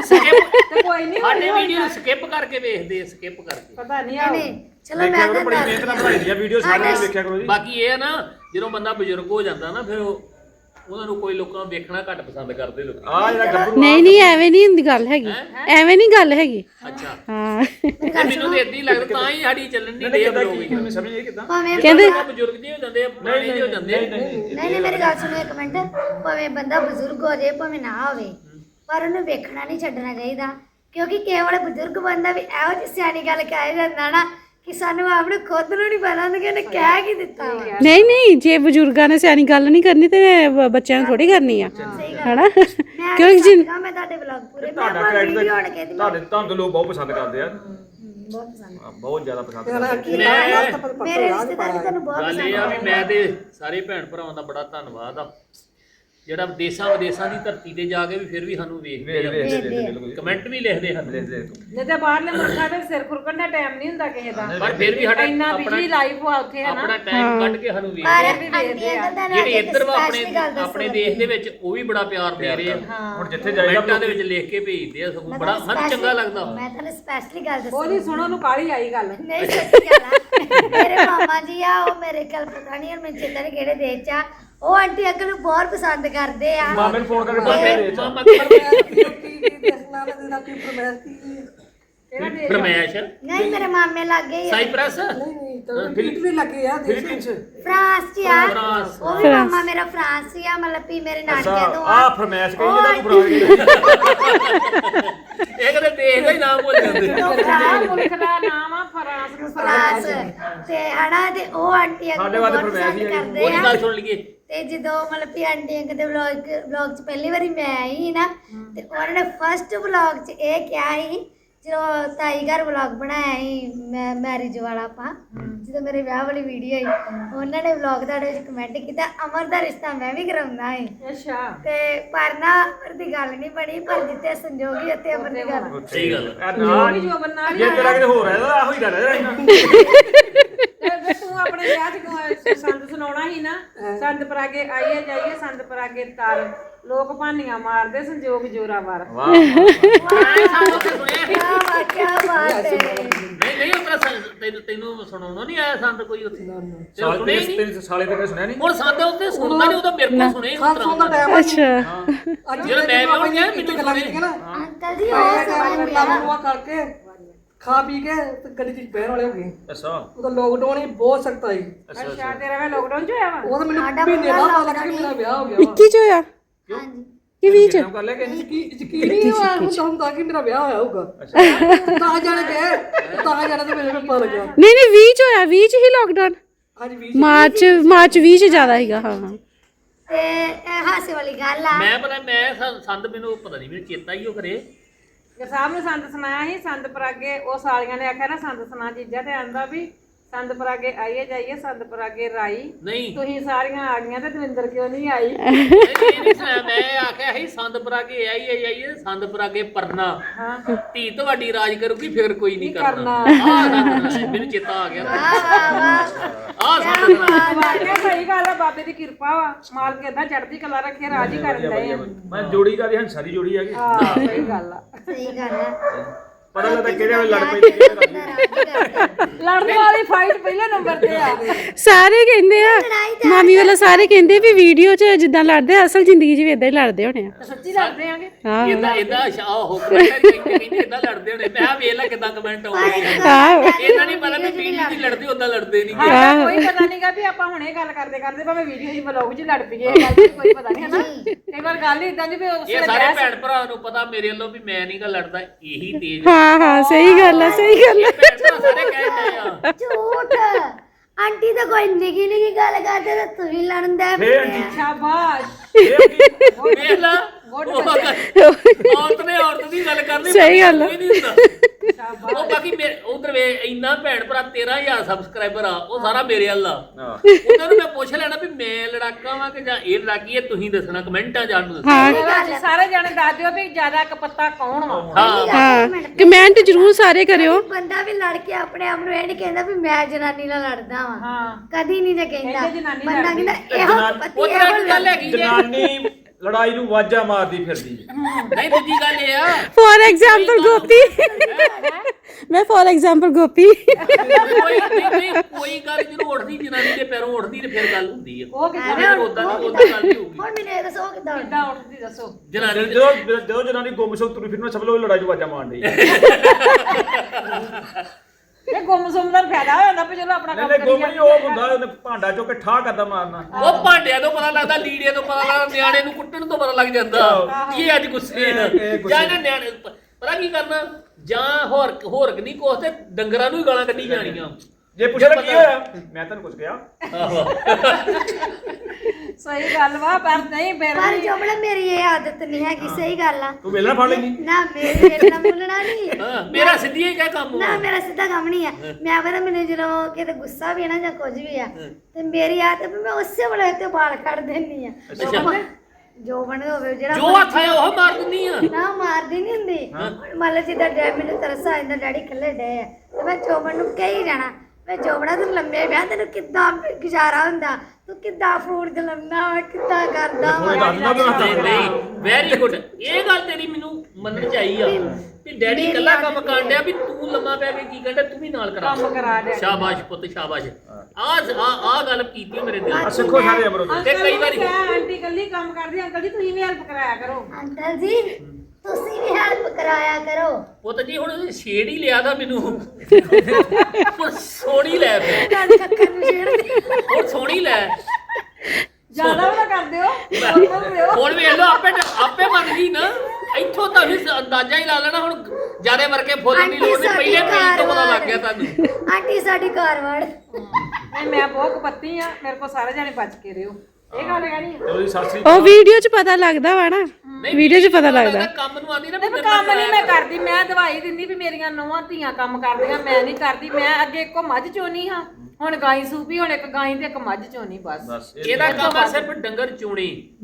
Speaker 2: ਤੇ ਕੋਈ ਨਹੀਂ
Speaker 3: ਸਾਡੇ ਵੀਡੀਓ ਸਕਿਪ ਕਰਕੇ ਵੇਖਦੇ ਸਕਿਪ ਕਰਕੇ
Speaker 2: ਪਤਾ ਨਹੀਂ
Speaker 1: ਨਹੀਂ
Speaker 2: ਆ
Speaker 1: ਨਹੀਂ ਚਲੋ
Speaker 4: ਵੇਖਿਆ
Speaker 1: ਮੈਂ
Speaker 4: ਕਰੋ, ਬੜੀ
Speaker 1: ਤਾਂ
Speaker 4: ਮਿਹਨਤ ਨਾਲ ਬਣਾਈ ਦੀ ਆ ਵੀਡੀਓ, ਸਾਰਿਆਂ ਨੇ ਵੇਖਿਆ ਕਰੋ ਜੀ।
Speaker 3: ਬਾਕੀ ਇਹ ਆ ਨਾ ਜਦੋਂ ਬੰਦਾ ਬਜ਼ੁਰਗ ਹੋ ਜਾਂਦਾ ਨਾ ਫਿਰ ਉਹ ਉਹਨਾਂ ਨੂੰ ਕੋਈ ਲੋਕਾਂ ਨੂੰ ਵੇਖਣਾ ਘੱਟ ਪਸੰਦ ਕਰਦੇ ਲੋਕ
Speaker 4: ਆ ਜਿਹੜਾ ਗੱਭਰੂ
Speaker 6: ਨਹੀਂ ਨਹੀਂ ਐਵੇਂ ਨਹੀਂ ਹੁੰਦੀ ਗੱਲ ਹੈਗੀ ਐਵੇਂ ਨਹੀਂ ਗੱਲ ਹੈਗੀ
Speaker 3: ਅੱਛਾ
Speaker 6: ਹਾਂ
Speaker 3: ਤੇ ਮੈਨੂੰ ਤੇ ਏਦਾਂ ਹੀ ਲੱਗਦਾ ਤਾਂ ਹੀ ਸਾਡੀ ਚੱਲਣ ਨਹੀਂ ਦੇ
Speaker 4: ਕਿਦਾਂ
Speaker 3: ਬਲੋਗ
Speaker 4: ਕੀ ਮੈਨੂੰ ਸਮਝ ਨਹੀਂ ਕਿਦਾਂ
Speaker 1: ਭਾਵੇਂ
Speaker 6: ਕਹਿੰਦੇ
Speaker 3: ਬਜ਼ੁਰਗ ਜੀ ਹੋ ਜਾਂਦੇ ਆ ਪੁਰਾਣੇ ਜਿਹੇ ਹੋ ਜਾਂਦੇ ਆ।
Speaker 1: ਨਹੀਂ ਨਹੀਂ ਮੇਰੀ ਗੱਲ ਸੁਣੋ ਇੱਕ ਮਿੰਟ ਭਾਵੇਂ ਬੰਦਾ ਬਜ਼ੁਰਗ ਹੋ ਜਾਏ ਭਾਵੇਂ ਨਾ ਹੋਵੇ ਪਰ ਉਹਨੂੰ ਵੇਖਣਾ ਨਹੀਂ ਛੱਡਣਾ ਚਾਹੀਦਾ ਕਿਉਂਕਿ ਕੇਵਲ ਬਜ਼ੁਰਗ ਬੰਦਾ ਵੀ ਇਹੋ ਜਿਹੀ ਸਿਆਣੀ ਗੱਲ ਕਹਿ ਜਾਂਦਾ ਨਾ ਕਿ ਸਾਨੂੰ ਆਪਣੇ ਖੁਦ ਨੂੰ ਨਹੀਂ ਪਤਾ ਹੁੰਦਾ ਕਿ ਉਹਨੇ ਕਹਿ ਕੀ ਦਿੱਤਾ ਵਾ
Speaker 6: ਨਹੀਂ ਨਹੀਂ ਜੇ ਬਜ਼ੁਰਗਾਂ ਨੇ ਸਿਆਣੀ ਗੱਲ ਨਹੀਂ ਕਰਨੀ ਤੇ ਬ- ਬੱਚਿਆਂ ਨੂੰ ਥੋੜੀ ਕਰਨੀ ਆ
Speaker 1: ਸਹੀ ਗੱਲ
Speaker 6: ਹਨਾ
Speaker 1: ਮੈਂ
Speaker 6: ਕਿਉਂਕਿ ਜਿਨ
Speaker 1: ਕਿਹਾ ਮੈਂ ਤੁਹਾਡੇ ਵਲੌਗ ਪੂਰੇ ਮੈਂ
Speaker 4: ਤੁਹਾਡਾ
Speaker 1: ਆਪਣਾ
Speaker 4: ਕ੍ਰੈਡਿਟ
Speaker 1: ਵੀਡੀਓ ਆਣ ਕੇ ਦੀ
Speaker 4: ਤੁਹਾਡੇ ਤੁਹਾਨੂੰ ਲੋਕ ਬਹੁਤ ਪਸੰਦ ਕਰਦੇ ਆ
Speaker 1: ਬਹੁਤ ਪਸੰਦ
Speaker 4: ਹਾਂ, ਬਹੁਤ ਜ਼ਿਆਦਾ ਪਸੰਦ
Speaker 5: ਤੇਰਾ
Speaker 4: ਕਰਦੇ
Speaker 5: ਕੀ
Speaker 3: ਮੈਂ-
Speaker 5: ਯਾਰ ਤਾਂ ਪਤਾ
Speaker 1: ਮੇਰੇ ਰਿਸ਼ਤੇਦਾਰ ਵੀ ਤੁਹਾਨੂੰ ਬਹੁਤ
Speaker 3: ਗੱਲ
Speaker 1: ਪਸੰਦ
Speaker 3: ਇਹ ਆ ਵੀ ਮੈਂ ਤੇ ਸਾਰੇ ਭੈਣ ਭਰਾਵਾਂ ਦਾ ਬੜਾ ਧੰਨਵਾਦ ਆ ਜਿਹੜਾ ਦੇਸਾਂ ਵਿਦੇਸਾਂ ਦੀ ਧਰਤੀ ਤੇ ਜਾ ਕੇ ਵੀ ਫਿਰ ਵੀ ਸਾਨੂੰ ਵੇਖਦੇ
Speaker 4: ਵੇਖ
Speaker 3: ਆ
Speaker 4: ਵੇਖ ਵੇਖ ਬਿਲਕੁਲ
Speaker 3: ਕਮੈਂਟ ਵੀ ਲਿਖਦੇ ਹਨ
Speaker 4: ਦੇਖ ਦੇਖ
Speaker 2: ਨਹੀਂ ਤੇ ਬਾਹਰਲੇ ਮੁਲਕਾਂ ਦੇ ਸਿਰ ਖੁਰਕਣ ਦਾ ਟਾਈਮ ਨਹੀਂ ਹੁੰਦਾ ਕਿਸੇ ਦਾ
Speaker 3: ਪਰ ਫਿਰ ਵੀ ਸਾਡਾ
Speaker 2: ਇੰਨਾ
Speaker 3: ਆਪਣਾ
Speaker 2: ਬਿਜੀ ਲਾਈਫ ਆ ਉੱਥੇ ਹੈ ਨਾ
Speaker 3: ਆਪਣਾ ਟਾਈਮ ਕੱਢ ਕੇ ਸਾਨੂੰ
Speaker 1: ਪਰ
Speaker 3: ਵੇਖਦੇ ਆ
Speaker 1: ਆਂਟੀ ਅੰਕਲ ਦਾ ਨਾ
Speaker 3: ਜਿਹੜੇ
Speaker 1: ਇੱਕ
Speaker 3: ਇੱਧਰ ਵਾ ਆਪਣੇ
Speaker 1: special ਗੱਲ ਦੱਸੋ
Speaker 3: ਆਪਣੇ ਦੇਸ਼ ਦੇ ਵਿੱਚ ਉਹ ਵੀ ਬੜਾ ਪਿਆਰ ਦੇ ਰਹੇ ਆ
Speaker 4: ਹੁਣ ਜਿੱਥੇ ਜਾਈਦਾ
Speaker 3: ਕਮੈਂਟਾਂ ਦੇ ਵਿੱਚ ਲਿਖ ਕੇ ਭੇਜਦੇ ਆ ਸਗੋਂ
Speaker 1: ਮੈਂ
Speaker 3: ਬੜਾ
Speaker 1: ਤੁਹਾਨੂੰ
Speaker 3: ਮਨ ਚੰਗਾ
Speaker 1: specially-
Speaker 3: ਲੱਗਦਾ
Speaker 1: ਮੈਂ ਤੁਹਾਨੂੰ ਸਪੈਸ਼ਲੀ ਗੱਲ ਦੱਸਾਂ
Speaker 2: ਉਹਦੀ ਸੁਣੋ ਨੂੰ ਕਾਲੀ ਆਈ ਗੱਲ
Speaker 1: ਨਹੀਂ ਸੱਚੀ ਗੱਲ ਆ ਮੇਰੇ ਮਾਮਾ ਜੀ ਆ ਉਹ ਮੇਰੇ ਕੋਲ ਪਤਾ ਨਹੀਂ ਹੁਣ ਮੈਨੂੰ ਚੇਤਾ ਨਹੀਂ ਕਿਹੜੇ ਦੇਸ਼ ਚ ਆ ਉਹ ਆਂਟੀ ਅੰਕਲ ਨੂੰ ਬਹੁਤ ਪਸੰਦ ਕਰਦੇ ਆ
Speaker 4: ਮਾਮੇ ਨੂੰ ਫੋਨ ਕਰਕੇ
Speaker 3: ਮਾਮੇ
Speaker 4: ਪੁੱਛਦੇ ਦੇ
Speaker 3: ਮਾਮਾ
Speaker 5: ਕੀ ਕੀ ਦੱਸਣਾ ਦਾ ਕੀ ਫਰਮਾਇਸ਼ ਕੀ
Speaker 2: ਕਿਹੜਾ ਦੇਸ਼
Speaker 3: ਫਰਮੈਸ਼
Speaker 1: ਨਹੀਂ ਮੇਰੇ ਮਾਮੇ ਲੱਗੇ ਹੀ ਆ
Speaker 3: ਸਾਈਪ੍ਰਸ
Speaker 5: ਨਹੀਂ ਨਹੀਂ ਤਾਂ ਫਿਲਿਪੀਨ ਲੱਗੇ ਆ ਦੇਸ਼
Speaker 4: ਫਿਲੀਪੀਨਸ
Speaker 1: ਫਰਾਂਸ ਚ ਆ
Speaker 3: ਫਰਾਂਸ।
Speaker 1: ਉਹ ਵੀ ਮਾਮਾ ਮੇਰਾ ਫਰਾਂਸ ਚ ਆ ਮਤਲਬ ਵੀ ਮੇਰੇ ਨਾਨਕਿਆਂ ਤੋਂ
Speaker 4: ਆ ਫਰਮੈਸ਼ ਕਹੀ ਜਿਹੜਾ ਤੂੰ ਫੜਾ
Speaker 3: ਇਹ ਕਦੇ ਦੇਸ਼ ਦਾ ਹੀ ਨਾਮ ਭੁੱਲ ਜਾਂਦੇ
Speaker 2: ਆਹ ਮੁਲਕ ਦਾ ਨਾਮ ਆ ਫਰਾਂਸ ਨੂੰ
Speaker 1: ਫਰਾਂਸ ਤੇ ਹਨਾ ਤੇ ਉਹ ਆਂਟੀ ਅੰਕਲ
Speaker 4: ਸਾਡੇ
Speaker 1: ਨੂੰ
Speaker 4: ਵਾਸਤੇ
Speaker 1: ਬਹੁਤ
Speaker 4: ਫਰਮਾਇਸ਼ ਹੀ
Speaker 1: ਪਸੰਦ
Speaker 4: ਹੈ।
Speaker 1: ਕਰਦੇ
Speaker 3: ਉਹਦੀ
Speaker 1: ਆ
Speaker 3: ਗੱਲ ਸੁਣ ਲਈਏ
Speaker 1: ਤੇ ਜਦੋਂ ਮਤਲਬ ਵੀ ਆਂਟੀ ਅੰਕਲ ਦੇ ਵਲੌਗ ਵਲੌਗ ਚ ਪਹਿਲੀ ਵਾਰੀ ਮੈਂ ਆਈ ਸੀ ਨਾ ਤੇ ਉਹਨਾਂ ਨੇ ਫਸਟ ਵਲੌਗ ਚ ਇਹ ਕਿਹਾ ਸੀ ਜਦੋਂ ਤਾਈ ਘਰ ਵਲੌਗ ਬਣਾਇਆ ਸੀ ਮੈਂ ਮੈਰਿਜ ਵਾਲਾ ਆਪਾਂ ਜਦੋਂ ਮੇਰੇ ਵਿਆਹ ਵਾਲੀ ਵੀਡੀਓ ਆਈ ਉਹਨਾਂ ਨੇ ਵਲੌਗ ਦਾ ਵਿੱਚ ਕਮੈਂਟ ਕੀਤਾ ਅਮਰ ਦਾ ਰਿਸ਼ਤਾ ਮੈਂ ਵੀ ਕਰਾਉਂਦਾ ਹੈ
Speaker 2: ਅੱਛਾ
Speaker 1: ਤੇ ਪਰ ਨਾ ਅਮਰ ਦੀ ਗੱਲ ਨਹੀਂ ਬਣੀ ਪਰ ਜਿੱਤੇ ਸੰਜੋਗੀ ਉੱਤੇ ਅਮਰ ਦੀ ਗੱਲ
Speaker 3: ਸਹੀ ਗੱਲ
Speaker 4: ਆ ਨਾ
Speaker 2: ਜੋ ਜੋ ਬੰਨਾ
Speaker 4: ਜੇ ਤੇਰਾ ਕਿਤੇ ਹੋਰ ਹੈ ਤਾਂ ਆਹੋ ਹੀ ਗੱਲ ਹੈ ਇਹਨਾਂ
Speaker 2: ਤੇ ਤੂੰ ਆਪਣੇ ਵਿਆਹ ਚ ਕਿਉਂ ਸੰਦ ਸੁਣਾਉਣਾ ਸੀ ਨਾ ਸੰਦ ਪਰਾਗੇ ਆਈਏ ਜਾਈਏ ਸੰਦ ਪਰਾਗੇ ਤਰ ਲੋਕ ਭਾਨੀਆਂ ਮਾਰਦੇ ਸੰਜੋਗ ਜੋਰਾਵਰ
Speaker 4: ਵਾਹ ਵਾਹ
Speaker 1: ਕਿਆ ਬਾਤ ਕਿਆ ਬਾਤ ਹੈ
Speaker 3: ਨਹੀਂ ਨਹੀਂ ਉਹ ਤਾਂ ਤੈਨੂੰ ਤੈਨੂੰ ਸੁਣਾਉਣਾ ਨਹੀਂ ਆਇਆ ਸੰਦ ਕੋਈ ਉੱਥੇ ਤੇ
Speaker 4: ਸਾਲ
Speaker 3: ਸੁਣਿਆ
Speaker 4: ਤੇ
Speaker 3: ਹੀ ਨਹੀਂ
Speaker 4: ਤੇਰੇ ਸਾਲੇ ਤੇ ਕਦੇ ਸੁਣਿਆ ਨਹੀਂ
Speaker 3: ਹੁਣ ਸੰਦ ਉੱਤੇ ਸੁਣਦਾ ਨਹੀਂ ਉਹ ਤਾਂ ਮੇਰੇ ਕੋਲ ਸੁਣੇ
Speaker 5: ਖਾਸ ਸੌਣ ਦਾ ਟਾਈਮ ਆ
Speaker 6: ਅੱਛਾ
Speaker 5: ਅੱਜ
Speaker 3: ਜਿਹੜਾ ਮੈਂ ਵੀ ਹੁਣ ਗਿਆ,
Speaker 5: ਕਿਤੇ
Speaker 3: ਮੈਨੂੰ
Speaker 5: ਗੱਲਾਂ
Speaker 3: ਸੁਣੇ।
Speaker 5: ਕੀਤੀਆਂ ਨਾ
Speaker 1: ਅੰਕਲ ਜੀ ਉਹ ਸਮਾਂ
Speaker 5: ਕੰਮ
Speaker 1: ਪਿਆ
Speaker 5: ਕੁਆ ਕਰਕੇ ਖਾ ਪੀ ਕੇ ਤੇ ਗੱਡੀ ਚ ਬਹਿਣ ਵਾਲੇ ਹੋ ਗਏ
Speaker 4: ਅੱਛਾ
Speaker 5: ਉਹਦਾ ਲੋਕਡਾਊਨ ਹੀ ਬਹੁਤ ਸਖਤ ਆਈ
Speaker 2: ਅੱਛਾ ਤੇਰਾ ਵੇ ਲੋਕਡਾਊਨ ਚ ਹੋਇਆ ਵਾ
Speaker 5: ਉਹ ਤਾਂ ਮੈਨੂੰ
Speaker 1: ਸਾਡਾ
Speaker 5: ਮਹੀਨੇ
Speaker 1: ਪੂਰਾ
Speaker 5: ਬਾਅਦ ਪਤਾ ਲੱਗਾ ਕਿ
Speaker 1: lockdown
Speaker 5: ਮੇਰਾ ਵਿਆਹ ਹੋ ਗਿਆ ਵਾ
Speaker 6: ਇੱਕੀ ਚ ਹੋਇਆ
Speaker 1: ਹਾਂਜੀ
Speaker 6: ਕਿ ਵੀਹ ਚ
Speaker 4: ਕੰਮ ਕਰ ਲਿਆ ਕਿ
Speaker 5: ਯਕੀ- ਯਕੀਨ ਹੀ ਨਹੀਂ ਹੋਇਆ ਹੁੰਦਾ ਹੁੰਦਾ ਕਿ ਮੇਰਾ ਵਿਆਹ ਹੋਇਆ ਹੋਊਗਾ ਤਾਂ ਜਾਣ ਕੇ ਤਾਂ ਜਾਣ ਤੇ ਮੈਨੂੰ ਪਤਾ ਲੱਗਾ
Speaker 6: ਨਹੀਂ ਨਹੀਂ ਵੀਹ ਚ ਹੋਇਆ ਵੀਹ ਚ ਹੀ ਲੋਕਡਾਊਨ
Speaker 5: ਅੱਜ ਵੀ
Speaker 6: ਮਾਰਚ ਮਾਰਚ ਵੀਹ ਚ ਜ਼ਿਆਦਾ ਸੀਗਾ ਹਾਂ ਹਾਂ
Speaker 1: ਤੇ ਇਹ ਹਾਸੇ ਵਾਲੀ ਗੱਲ ਆ
Speaker 3: ਮੈਂ ਪਤਾ ਮੈਂ ਸੰ- ਸੰਦ ਮੈਨੂੰ ਪਤਾ ਨਹੀਂ ਮੈਨੂੰ ਚੇਤਾ ਹੀ ਉਹ ਕਰੇ
Speaker 2: ਸਾਹਿਬ ਨੂੰ ਸੰਦ ਸੁਣਾਇਆ ਸੀ ਸੰਦ ਪਰਾਗੇ ਉਹ ਸਾਲੀਆਂ ਨੇ ਆਖਿਆ ਨਾ ਸੰਦ ਸੁਣਾ ਚੀਜ਼ਾਂ ਤੇ ਆਂਦਾ ਵੀ ਸੰਦ ਪਰਾਗੇ ਆਈਏ ਜਾਈਏ ਸੰਦ ਪਰਾਗੇ ਰਾਈ
Speaker 3: ਨਹੀਂ
Speaker 2: ਤੁਸੀਂ ਸਾਰੀਆਂ ਆ ਗਈਆਂ ਤੇ ਦਵਿੰਦਰ ਕਿਉਂ ਨਹੀਂ ਆਈ
Speaker 3: ਨਹੀਂ ਨਹੀਂ ਨਹੀਂ ਸੁਣਿਆ। ਮੈਂ ਆਖਿਆ ਸੀ ਸੰਦ ਪਰਾਗੇ ਆਈ ਆਈ ਆਈ ਸੰਦ ਪਰਾਗੇ ਪਰਨਾ
Speaker 2: ਹਾਂ
Speaker 3: ਧੀ ਤੁਹਾਡੀ ਰਾਜ ਕਰੂਗੀ ਫਿਰ ਕੋਈ ਨਹੀਂ
Speaker 2: ਕਰਨਾ।
Speaker 3: ਕਰਨਾ ਆਹ ਮੈਨੂੰ ਚੇਤਾ ਆ ਗਿਆ
Speaker 1: ਵਾਹ ਵਾਹ ਵਾਹ
Speaker 3: ਆਹ ਸੰਦ ਪਰਾਗੇ
Speaker 2: ਵਾਕਿਆ ਸਹੀ ਗੱਲ ਆ ਬਾਬੇ ਦੀ ਕਿਰਪਾ ਵਾ ਮਾਲਕ ਏਦਾਂ ਚੜ੍ਹਦੀ ਕਲਾ ਰੱਖੇ ਰਾਜ ਹੀ ਕਰਨ ਡਏ ਆ
Speaker 4: ਮੈਂ ਜੋੜੀ ਦਾ ਹੰਸਾ ਸਾਰੀ ਜੋੜੀ ਆ ਗਈ
Speaker 2: ਹਾਂ ਸਹੀ ਗੱਲ ਆ
Speaker 1: ਸਹੀ ਗੱਲ ਆ
Speaker 4: ਪਤਾ ਲੱਗਦਾ ਕਿਹੜੇ ਵੇਲੇ ਲੜ ਪਈ ਤੇ ਕਿਹੜੇ ਰਾਜੀ
Speaker 2: ਲੜਨ ਵਾਲੀ ਫਾਈਟ ਪਹਿਲੇ ਨੰਬਰ ਤੇ ਆ
Speaker 6: ਸਾਰੇ ਕਹਿੰਦੇ ਆ ਮਾਮੀ ਵਾਲਾ ਸਾਰੇ ਕਹਿੰਦੇ ਵੀ ਵੀਡੀਓ 'ਚ ਜਿੱਦਾਂ ਲੜਦੇ ਆ, ਅਸਲ ਜ਼ਿੰਦਗੀ 'ਚ ਵੀ ਇਦਾਂ ਹੀ ਲੜਦੇ ਹੋਣੇ ਆ
Speaker 2: ਸੱਚੀ ਲੜਦੇ ਆਂਗੇ
Speaker 6: ਹਾਂ
Speaker 3: ਇਦਾਂ ਇਦਾਂ ਆਹੋ ਕਮੈਂਟ ਕਹਿੰਦੇ ਇਦਾਂ ਲੜਦੇ ਹੋਣੇ ਮੈਂ ਆ ਵੇਖ ਲੈ ਕਿਦਾਂ ਕਮੈਂਟ ਆਉਂਦੇ ਆ
Speaker 6: ਹਾਂ
Speaker 3: ਇਹਨਾਂ ਨਹੀਂ ਪਤਾ ਵੀ ਵੀਡੀਓ ਦੀ ਲੜਦੇ ਉਦਾਂ ਲੜਦੇ ਨਹੀਂ
Speaker 2: ਹਾਂ ਕੋਈ ਪਤਾ ਨਹੀਂਗਾ ਵੀ ਆਪਾਂ ਹੁਣੇ ਗੱਲ ਕਰਦੇ ਕਰਦੇ ਭਾਵੇਂ ਵੀਡੀਓ ਦੀ ਵਲੌਗ 'ਚ ਲੜ ਪਈਏ ਇਹ ਗੱਲ ਦਾ ਕੋਈ ਪਤਾ ਨਹੀਂ ਹੈ ਨਾ ਕਈ ਵਾਰ ਗੱਲ ਹੀ ਇਦਾਂ ਦੀ ਵੀ ਉਸ
Speaker 3: ਇਹ
Speaker 2: ਵੇਲੇ
Speaker 3: ਸਾਰੇ
Speaker 2: ਬਹਿਸ
Speaker 3: ਭੈਣ ਭਰਾ ਨੂੰ ਪਤਾ ਮੇਰੇ ਵੱਲੋਂ ਵੀ ਮੈਂ ਨਹੀਂ ਗਾ ਲੜਦਾ ਇਹੀ ਤੇਜ਼
Speaker 6: ਹਾਂ ਹਾਂ ਸਹੀ ਗੱਲ ਆ ਸਹੀ ਗੱਲ ਆ
Speaker 3: ਭੈਣ ਭਰਾ ਸਾਰੇ ਕਹਿੰਦੇ ਆ
Speaker 1: ਝੂਠ ਆਂਟੀ ਤਾਂ ਕੋਈ ਨਿੱਕੀ ਨਿੱਕੀ ਗੱਲ ਕਰਦੇ ਤੇ ਤੂੰ ਵੀ ਲੜਨ ਦਾ
Speaker 4: ਫੇਰ ਆਂਟੀ
Speaker 2: ਸ਼ਾਬਾਸ਼
Speaker 3: ਵੇਖ ਲਾ ਉਹ ਗੱਲ- ਔਰਤ ਨੇ ਔਰਤ ਦੀ ਗੱਲ ਕਰਨੀ
Speaker 6: ਸਹੀ ਗੱਲ ਆ।
Speaker 3: ਕੋਈ ਨਹੀਂ ਹੁੰਦਾ ਉਹ ਬਾਕੀ ਮੇਰੇ ਉਧਰ ਵੇ ਇੰਨਾ ਭੈਣ ਭਰਾ ਤੇਰਾਂ ਹਜ਼ਾਰ ਸਬਸਕ੍ਰਾਈਬਰ ਆ ਉਹ ਸਾਰਾ ਮੇਰੇ ਵੱਲ ਆ
Speaker 4: ਹਾਂ
Speaker 3: ਉਹਨਾਂ ਨੂੰ ਮੈਂ ਪੁੱਛ ਲੈਣਾ ਵੀ ਮੈਂ ਲੜਾਕਾ ਵਾਂ ਕਿ ਜਾਂ ਇਹ ਲੜਾਕੀ ਹੈ ਤੁਸੀਂ ਦੱਸਣਾ ਕਮੈਂਟਾਂ ਜਾਣ ਨੂੰ ਦੱਸਣਾ
Speaker 6: ਹਾਂ
Speaker 2: ਸਾਰੇ ਜਾਣੇ ਦੱਸ ਦਿਓ ਵੀ ਜ਼ਿਆਦਾ ਕਪੱਤਾ ਕੌਣ ਵਾ
Speaker 3: ਹਾਂ
Speaker 6: ਹਾਂ ਕਮੈਂਟ ਜ਼ਰੂਰ ਸਾਰੇ ਕਰਿਓ
Speaker 1: ਬੰਦਾ ਵੀ ਲੜ ਕੇ ਆਪਣੇ ਆਪ ਨੂੰ ਇਹ ਨਹੀਂ ਕਹਿੰਦਾ ਵੀ ਮੈਂ ਜਨਾਨੀ ਨਾਲ ਲੜਦਾ ਵਾਂ
Speaker 2: ਹਾਂ
Speaker 1: ਕਦੀ ਨਹੀਂ ਜੇ ਕਹਿੰਦਾ
Speaker 2: ਕਹਿੰਦੇ ਜਨਾਨੀ
Speaker 1: ਬੰਦਾ
Speaker 2: ਲੜਦੀ।
Speaker 1: ਕਹਿੰਦਾ ਇਹੋ ਪਤੀ
Speaker 3: ਉਹ
Speaker 1: ਇਹੋ
Speaker 3: ਤਾਂ ਗੱਲ ਹੈਗੀ ਜੇ
Speaker 4: ਜਨਾਨੀ ਲੜਾਈ ਨੂੰ ਵਾਜਾ ਮਾਰਦੀ ਫਿਰਦੀ
Speaker 3: ਨਹੀਂ ਦੂਜੀ ਗੱਲ ਇਹ ਆ
Speaker 6: ਫੋਰ ਐਗਜ਼ਾਮਪਲ ਗੋਪੀ ਮੈਂ ਫੋਰ ਐਗਜ਼ਾਮਪਲ ਗੋਪੀ
Speaker 3: ਕੋਈ ਨਹੀਂ ਨਹੀਂ ਕੋਈ ਗੱਲ ਜਦੋਂ ਉੱਠਦੀ ਜਨਾਨੀ ਦੇ ਪੈਰੋਂ ਉੱਠਦੀ ਤੇ ਫਿਰ ਗੱਲ ਹੁੰਦੀ ਆ
Speaker 2: ਉਹ ਕਿੱਦਾਂ
Speaker 3: ਫਿਰ ਉਦਾਂ ਨਹੀਂ ਉਦਾਂ ਗੱਲ ਨਹੀਂ ਹੋਊਗੀ
Speaker 1: ਹੁਣ ਮੈਨੂੰ ਇਹ ਦੱਸੋ ਉਹ ਕਿੱਦਾਂ
Speaker 2: ਕਿੱਦਾਂ ਉੱਠਦੀ ਦੱਸੋ
Speaker 3: ਜਨਾਨੀ ਦੇ-
Speaker 4: ਜਦੋਂ ਜਦੋਂ ਜਨਾਨੀ ਗੁੰਮਸੁਮ ਤੁਰੀ ਫਿਰਨਾ ਸਭ ਲੋਕ ਲੜਾਈ ਨੂੰ ਵਾਜਾ ਮਾਰਦੀ
Speaker 2: ਇਹ ਗੁੰਮ ਸੁੰਮ ਦਾ ਫਾਇਦਾ ਹੋ ਜਾਂਦਾ ਵੀ ਚਲੋ ਆਪਣਾ
Speaker 4: ਨਹੀਂ
Speaker 2: ਕੰਮ
Speaker 4: ਨਹੀਂ
Speaker 2: ਕਰੀ
Speaker 4: ਗੁੰਮ ਨਹੀਂ ਉਹ ਹੁੰਦਾ ਉਹਨੇ ਭਾਂਡਾ ਚੁੱਕ ਕੇ ਠਾਹ ਕਰਦਾ ਮਾਰਨਾ
Speaker 3: ਉਹ ਭਾਂਡਿਆਂ ਤੋਂ ਪਤਾ ਲੱਗਦਾ ਲੀੜਿਆਂ ਤੋਂ ਪਤਾ ਲੱਗਦਾ ਨਿਆਣੇ ਨੂੰ ਕੁੱਟਣ ਤੋਂ ਪਤਾ ਲੱਗ ਜਾਂਦਾ ਇਹ ਅੱਜ ਗੁੱਸੇ ਆ
Speaker 4: ਇਹ- ਇਹ ਗੁੱਸੇ।
Speaker 3: ਜਾਂ ਇਹਨੇ ਨਿਆਣੇ ਪ- ਪਤਾ ਕੀ ਕਰਨਾ ਜਾਂ ਹੋਰ ਹੋਰ ਨਹੀਂ ਕੋਸ ਤੇ ਡੰਗਰਾਂ ਨੂੰ ਹੀ ਗਾਲਾਂ ਕੱਢੀ ਜਾਣੀਆਂ
Speaker 4: ਜੇ ਪੁੱਛਣਾ ਕੀ ਹੋਇਆ ਮੈਂ ਤੈਨੂੰ ਕੁਝ ਕਿਹਾ
Speaker 3: ਆਹੋ
Speaker 2: ਸਹੀ ਗੱਲ ਵਾ ਪਰ ਨਹੀਂ ਫਿਰ
Speaker 1: ਪਰ
Speaker 2: ਵੀ
Speaker 1: ਜੋਬੜਾ ਮੇਰੀ ਇਹ ਆਦਤ ਨਹੀਂ ਹੈਗੀ ਸਹੀ ਗੱਲ ਆ
Speaker 4: ਤੂੰ ਵੇਲਣਾ ਫੜ ਲੈਂਦੀ
Speaker 1: ਨਾ ਮੇਰੇ ਵੇਲਣਾ ਮੁੱਲਣਾ ਨਹੀਂ
Speaker 3: ਹਾਂ, ਮੇਰਾ ਸਿੱਧੀ ਹੀ ਕਹਿ ਕੰਮ
Speaker 1: ਨਾ ਮੇਰਾ ਸਿੱਧਾ ਕੰਮ ਨਹੀਂ ਆ ਮੈਂ ਪਤਾ ਮੈਨੂੰ ਜਦੋਂ ਕਿਤੇ ਗੁੱਸਾ ਵੀ ਆ ਨਾ ਜਾਂ ਕੁਝ ਵੀ ਆ ਤੇ ਮੇਰੀ ਆਦਤ ਵੀ ਮੈਂ ਉਸੇ ਵੇਲੇ ਤੇ ਵਾਲ ਕੱਢ ਦਿੰਨੀ ਆ ਜੋ ਬਣੇ ਹੋਵੇ ਜਿਹੜਾ
Speaker 3: ਜੋ ਹੱਥ ਆਇਆ ਉਹ ਮਾਰ ਦਿੰਦੀ ਆ
Speaker 1: ਨਾ ਮਾਰਦੀ ਨਹੀਂ ਹੁੰਦੀ ਹੁਣ ਮੰਨ ਲਓ ਜਿੱਦਾਂ ਡੈ ਮੈਨੂੰ ਤਰਸ ਆ ਜਾਂਦਾ ਡੈਡੀ ਇਕੱਲੇ ਡੇ ਆ ਤੇ ਮੈਂ ਚੋਬਣ ਨੂੰ ਕਹੀ ਜਾਣਾ ਮੈਂ ਚੋਬੜਾ ਤੂੰ ਲੰਮੇ ਵਿਆਹ ਤੈਨੂੰ ਕਿੱਦਾਂ ਗੁਜ਼ਾਰਾ ਹੁੰਦਾ ਤੂੰ ਕਿੱਦਾਂ ਫੂਡ ਜਲਮਨਾ ਵਾ ਕਿੱਦਾਂ ਕਰਦਾ ਵਾ
Speaker 4: ਕੋਈ ਦੱਸਦਾ ਵੀ
Speaker 3: ਨਹੀਂ
Speaker 4: ਹੱਥ
Speaker 3: ਨਹੀਂ ਵੈਰੀ ਗੁੱਡ ਇਹ ਗੱਲ ਤੇਰੀ ਮੈਨੂੰ ਮੰਨਣ ਚਾਹੀ ਆ ਵੀ ਡੈਡੀ ਇਕੱਲਾ ਕੰਮ ਕਰਨ ਡਿਆ ਵੀ ਤੂੰ ਲੰਮਾ ਪੈ ਕੇ ਕੀ ਕਹਿੰਦਾ ਤੂੰ ਵੀ ਨਾਲ ਕਰਾ
Speaker 2: ਕੰਮ ਕਰਾ ਦੇ
Speaker 3: ਸ਼ਾਬਾਸ਼ ਪੁੱਤ ਸ਼ਾਬਾਸ਼ ਆ ਆ ਗੱਲ ਕੀਤੀ ਮੇਰੇ ਦਿਲ
Speaker 4: ਆ ਸਿੱਖੋ ਸਾਰੇ ਅਮਰੋ
Speaker 3: ਤੇ ਕਈ ਵਾਰੀ
Speaker 2: ਆਂਟੀ ਕੱਲੀ ਕੰਮ ਕਰਦੀ ਅੰਕਲ ਜੀ ਤੁਸੀਂ ਵੀ ਹੈਲਪ ਕਰਾਇਆ ਕਰੋ
Speaker 1: ਅੰਕਲ ਜੀ ਤੁਸੀਂ ਵੀ ਹੈਲਪ ਕਰਾਇਆ ਕਰੋ
Speaker 3: ਪੁੱਤ ਜੀ ਹੁਣ ਛੇੜ ਹੀ ਲਿਆ ਦਾ ਮੈਨੂੰ ਹੁਣ ਸੋਣੀ ਲੈ ਫਿਰ
Speaker 1: ਤੁਹਾਡੇ ਕੱਕਰ ਨੂੰ ਛੇੜਦੇ
Speaker 3: ਹੁਣ ਸੋਣੀ ਲੈ
Speaker 2: ਜ਼ਿਆਦਾ ਵੀ ਨਾ ਕਰ ਦਿਓ ਨੋਰਮਲ ਦਿਓ
Speaker 3: ਹੁਣ ਵੇਖ ਲਓ ਆਪੇ ਆਪੇ ਮੰਨ ਗਈ ਨਾ ਇੱਥੋਂ ਤੁਹਾਨੂੰ ਅੰਦਾਜ਼ਾ ਹੀ ਲਾ ਲੈਣਾ ਹੁਣ ਜਿਆਦੇ ਵਰਕੇ ਫੁੱਲ ਦੀ ਲੋੜ ਨਹੀਂ ਪਹਿਲੇ ਪੇਜ ਤੋਂ ਪਤਾ ਲੱਗ ਗਿਆ ਤੁਹਾਨੂੰ
Speaker 1: ਆਂਟੀ ਸਾਡੀ ਕਾਰਵਾੜ
Speaker 2: ਨਹੀਂ ਮੈਂ ਬਹੁਤ ਕਪੱਤੀ ਆ ਮੇਰੇ ਕੋਲ ਸਾਰੇ ਜਾਣੇ ਬਚ ਕੇ ਰਿਓ ਇਹ ਗੱਲ ਕਹਿਣੀ ਆ
Speaker 4: ਚਲੋ ਜੀ ਸਤਿ ਸ੍ਰੀ
Speaker 6: ਉਹ ਵੀਡੀਓ 'ਚ ਪਤਾ ਲੱਗਦਾ ਵਾ ਨਾ ਵੀਡੀਓ 'ਚ ਪਤਾ ਲੱਗਦਾ
Speaker 3: ਕੰਮ ਨੂੰ ਆਂਦੀ ਨਾ
Speaker 2: ਨਹੀਂ ਕੰਮ ਨਹੀਂ ਮੈਂ ਕਰਦੀ ਮੈਂ ਦਵਾਈ ਦਿੰਦੀ ਵੀ ਮੇਰੀਆਂ ਨੌਵਾਂ ਧੀਆਂ ਕੰਮ ਕਰਦੀਆਂ ਮੈਂ ਨਹੀਂ ਕਰਦੀ ਮੈਂ ਅੱਗੇ ਇੱਕੋ ਮੱਝ ਚੋਣੀ ਹਾਂ ਹੁਣ ਗਾਈ ਸੂਪੀ ਹੁਣ ਇੱਕ ਗਾਈ ਤੇ ਇੱਕ ਮੱਝ ਚੋਣੀ ਬਸ
Speaker 4: ਬਸ
Speaker 3: ਇਹਦਾ ਕੰਮ ਆ ਸਿਰਫ ਡੰਗਰ ਚੋਣੇ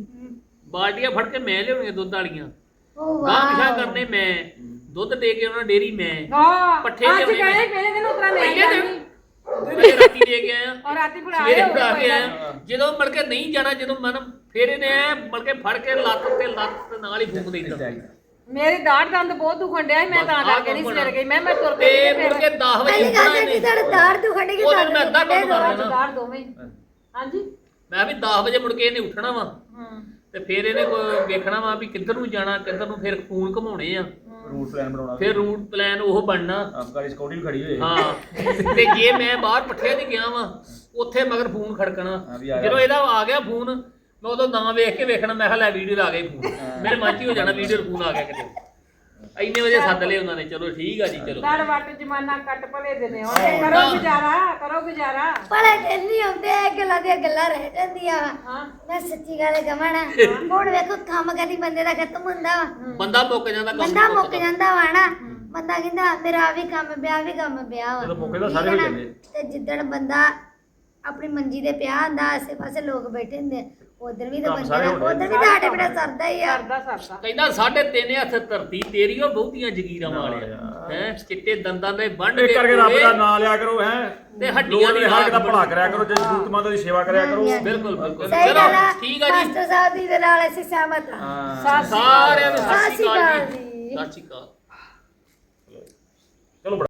Speaker 3: ਬਾਲਟੀਆਂ ਫੜ ਕੇ ਮੈਂ ਲਿਆਉਣੀਆਂ ਦੁੱਧ ਵਾਲੀਆਂ
Speaker 1: ਉਹ
Speaker 3: ਗਾਂ ਪਿਛਾ
Speaker 1: ਵਾਹ
Speaker 3: ਕਰਨੇ ਮੈਂ ਦੁੱਧ ਦੇ ਕੇ ਉਹਨਾਂ ਡੇਰੀ ਮੈਂ
Speaker 2: ਹਾਂ
Speaker 3: ਪੱਠੇ
Speaker 2: ਅੱਜ
Speaker 3: ਲਿਆਉਣੇ
Speaker 2: ਗਏ ਪਹਿਲੇ ਦਿਨ ਉਤਰਾ ਮੈਂ
Speaker 3: ਪਹਿਲੇ
Speaker 2: ਜਾਂਦੀ
Speaker 3: ਦਿਨ ਪਹਿਲੇ ਰਾਤੀ ਦੇ ਕੇ ਆਇਆ
Speaker 2: ਔਰ ਰਾਤੀ ਫੜਾ
Speaker 3: ਸਵੇਰੇ
Speaker 2: ਆਏ
Speaker 3: ਫੜਾ ਕੇ ਆਇਆ ਜਦੋਂ ਮੜ ਕੇ ਨਹੀਂ ਜਾਣਾ ਜਦੋਂ ਮਨ ਫੇਰ ਇਹਨੇ ਐ ਮੜ ਕੇ ਫੜ ਕੇ ਲੱਤ ਤੇ ਲੱਤ ਤੇ ਨਾਲ ਹੀ ਫੂਕ ਦੇਈਦਾ
Speaker 2: ਮੇਰੀ ਦਾੜ ਦੰਦ ਬਹੁਤ ਦੁਖਣ ਡਿਆ ਸੀ, ਮੈਂ ਤਾਂ ਕਰਕੇ ਨਹੀਂ ਸਵੇਰ ਗਈ ਮੈਂ ਮੈਂ ਤੁਰ
Speaker 3: ਤੇ
Speaker 2: ਕੇ
Speaker 3: ਮੁੜ ਕੇ ਦਸ ਵਜੇ
Speaker 1: ਪਹਿਲੀ ਗੱਲ
Speaker 3: ਉੱਠਣਾ
Speaker 1: ਹੈ ਕਿ
Speaker 3: ਇਹਨੇ
Speaker 1: ਤੁਹਾਡਾ ਦਾੜ ਦੁਖਣਗੇ
Speaker 3: ਉਹ ਦਿਨ ਮੈਂ ਅੱਧਾ ਕੰਮ ਕਰ ਲੈਣਾ
Speaker 2: ਦਾੜ ਦੋਵੇਂ ਹੀ। ਹਾਂਜੀ
Speaker 3: ਮੈਂ ਵੀ ਦਸ ਵਜੇ ਮੁੜ ਕੇ ਇਹਨੇ ਉੱਠਣਾ ਵਾ ਤੇ ਫਿਰ ਇਹਨੇ ਕੋਈ ਵੇਖਣਾ ਵਾ ਵੀ ਕਿੱਧਰ ਨੂੰ ਜਾਣਾ ਕਿੱਧਰ ਨੂੰ ਫਿਰ ਫੋਨ ਘਮਾਉਣੇ ਆ
Speaker 4: ਰੂਟ ਪਲਾਨ ਬਣਾਉਣਾ
Speaker 3: ਫਿਰ ਰੂਟ ਪਲਾਨ ਉਹ ਬਣਨਾ
Speaker 4: ਆਪਕਾਰੀ ਸਕਿਉਰਟੀ ਵੀ ਖੜੀ ਹੋਈ ਹੈ
Speaker 3: ਹਾਂ ਤੇ ਜੇ ਮੈਂ ਬਾਹਰ ਪੱਠਿਆਂ 'ਚ ਗਿਆ ਵਾਂ ਉੱਥੇ ਮਗਰ ਫੋਨ ਖੜਕਣਾ
Speaker 4: ਹਾਂ ਵੀ ਆ ਗਿਆ।
Speaker 3: ਜਦੋਂ ਇਹਦਾ ਆ ਗਿਆ ਫੋਨ ਮੈਂ ਉਦੋਂ ਨਾਂ ਵੇਖ ਕੇ ਵੇਖਣਾ ਮੈਂ ਕਿਹਾ ਲੈ ਵੀਡੀਓ ਆ ਗਈ ਫੋਨ ਮੇਰੇ ਮਨ 'ਚ ਹੀ ਹੋ ਜਾਣਾ ਵੀਡੀਓ ਫੋਨ ਆ ਗਿਆ ਕਿਤੇ ਇੰਨੇ ਵਜੇ ਸੱਦ ਲਏ ਉਹਨਾਂ ਨੇ ਚਲੋ ਠੀਕ ਆ ਜੀ ਚਲੋ
Speaker 2: ਦਾੜ ਵੱਟ ਜਮਾਨਾ ਕੱਟ ਭਲੇ ਦੇ ਨੇ ਹੁਣ ਕਰੋ ਗੁਜ਼ਾਰਾ ਕਰੋ ਗੁਜ਼ਾਰਾ
Speaker 1: ਭਲੇ ਦਿਨ ਨਹੀਂ ਆਉਂਦੇ ਇਹ ਗੱਲਾਂ ਦੀਆਂ ਗੱਲਾਂ ਰਹਿ ਜਾਂਦੀਆਂ ਵਾ
Speaker 2: ਹਾਂ
Speaker 1: ਮੈਂ ਸੱਚੀ ਗੱਲ ਕਹਾਂ ਨਾ ਹੁਣ ਵੇਖੋ ਕੰਮ ਕਦੀ ਬੰਦੇ ਦਾ ਖਤਮ ਹੁੰਦਾ ਵਾ
Speaker 3: ਬੰਦਾ ਮੁੱਕ ਜਾਂਦਾ ਕੰਮ
Speaker 1: ਬੰਦਾ ਮੁੱਕ ਜਾਂਦਾ ਵਾ ਨਾ ਬੰਦਾ ਕਹਿੰਦਾ ਮੇਰਾ ਆ ਵੀ ਕੰਮ ਪਿਆ ਵੀ ਕੰਮ ਪਿਆ ਵਾ
Speaker 4: ਜਦੋਂ ਮੁੱਕੇ ਤਾਂ ਸਾਰੇ ਹੋ ਜਾਂਦੇ
Speaker 1: ਤੇ ਜਿੱਦਣ ਬੰਦਾ ਆਪਣੀ ਮੰਜੀ ਤੇ ਪਿਆ ਹੁੰਦਾ ਆਸੇ ਪਾਸੇ ਲੋਕ ਬੈਠੇ ਹੁੰਦੇ ਉਧਰ ਵੀ ਤਾਂ
Speaker 4: ਕੰਮ
Speaker 1: ਬੰਦੇ
Speaker 4: ਸਾਰੇ
Speaker 1: ਦਾ
Speaker 4: ਹੋਣੇ।
Speaker 1: ਉਧਰ ਵੀ ਤੁਹਾਡੇ ਬੜਾ ਸਰਦਾ ਹੀ ਆ
Speaker 2: ਸਰਦਾ ਸਰਦਾ
Speaker 3: ਕਹਿੰਦਾ ਸਾਢੇ ਤਿੰਨ ਹੱਥ ਧਰਤੀ ਤੇਰੀ ਉਹ ਬਹੁਤੀਆਂ ਜਗੀਰਾਂ ਵਾਲਿਆ ਹੈ ਚਿੱਟੇ ਦੰਦਾਂ ਦੇ ਵੰਡ
Speaker 4: ਇਸ
Speaker 3: ਕੇ
Speaker 4: ਕਰਕੇ ਰੱਬ
Speaker 3: ਪੂਰੇ
Speaker 4: ਦਾ ਨਾਮ ਲਿਆ ਕਰੋ ਹੈ
Speaker 3: ਤੇ ਹੱਡੀਆਂ ਦੀ
Speaker 4: ਹੱਕ ਦਾ ਭਲਾ ਕਰਿਆ ਕਰੋ ਜੇ ਜ਼ਰੂਰਤਮੰਦ ਦੀ ਸੇਵਾ ਕਰਿਆ ਕਰੋ
Speaker 3: ਬਿਲਕੁਲ ਬਿਲਕੁਲ
Speaker 1: ਸਹੀ
Speaker 3: ਚਲੋ
Speaker 1: ਗੱਲ ਆ
Speaker 3: ਠੀਕ ਆ ਜੀ
Speaker 1: ਮਾਸਟਰ ਸਾਹਿਬ ਦੀ ਦੇ ਨਾਲ ਅਸੀਂ ਸਹਿਮਤ ਹਾਂ
Speaker 4: ਹਾਂ
Speaker 3: ਸਾਰਿਆਂ ਨੂੰ ਸਤਿ
Speaker 1: ਸਤਿ
Speaker 3: ਸ਼੍ਰੀ
Speaker 1: ਸ਼੍ਰੀ
Speaker 3: ਅਕਾਲ
Speaker 1: ਅਕਾਲ
Speaker 3: ਜੀ
Speaker 1: ਜੀ।
Speaker 3: ਸਤਿ ਸ਼੍ਰੀ ਅਕਾਲ